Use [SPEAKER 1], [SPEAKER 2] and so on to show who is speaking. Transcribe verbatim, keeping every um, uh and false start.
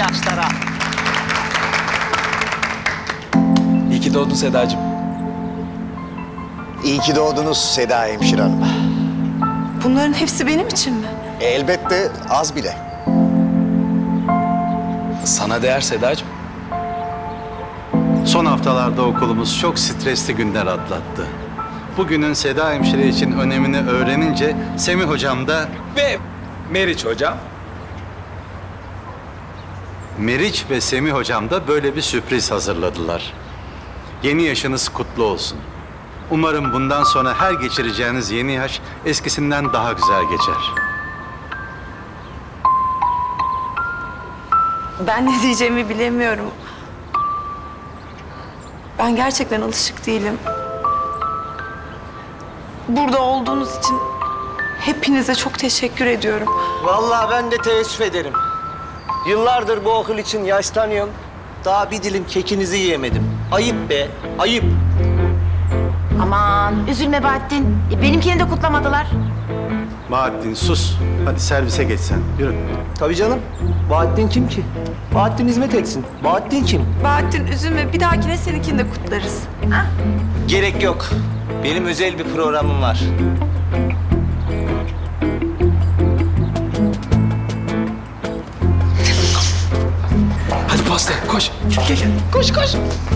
[SPEAKER 1] yaşlara.
[SPEAKER 2] İyi ki doğdun Sedacığım.
[SPEAKER 3] İyi ki doğdunuz Seda Hemşire Hanım.
[SPEAKER 4] Bunların hepsi benim için mi?
[SPEAKER 3] E, elbette az bile.
[SPEAKER 2] Sana değer Sedacığım.
[SPEAKER 5] Son haftalarda okulumuz çok stresli günler atlattı. Bugünün Seda Hemşire için önemini öğrenince Semih Hocam da...
[SPEAKER 2] Ve Meriç Hocam.
[SPEAKER 5] Meriç ve Semih Hocam da böyle bir sürpriz hazırladılar. Yeni yaşınız kutlu olsun. Umarım bundan sonra her geçireceğiniz yeni yaş eskisinden daha güzel geçer.
[SPEAKER 4] Ben ne diyeceğimi bilemiyorum. Ben gerçekten alışık değilim. Burada olduğunuz için hepinize çok teşekkür ediyorum.
[SPEAKER 6] Vallahi ben de teessüf ederim. Yıllardır bu okul için yaşlanıyorum. Daha bir dilim kekinizi yiyemedim. Ayıp be, ayıp.
[SPEAKER 7] Aman üzülme Bahattin. E, benimkini de kutlamadılar.
[SPEAKER 5] Bahattin sus. Hadi servise geç sen. Yürü.
[SPEAKER 6] Tabii canım. Bahattin kim ki? Bahattin hizmet etsin. Bahattin kim?
[SPEAKER 4] Bahattin üzülme, bir dahakine seninkini de kutlarız. Ha?
[SPEAKER 6] Gerek yok. Benim özel bir programım var.
[SPEAKER 2] Hadi pasta koş. Gel gel.
[SPEAKER 6] Koş koş.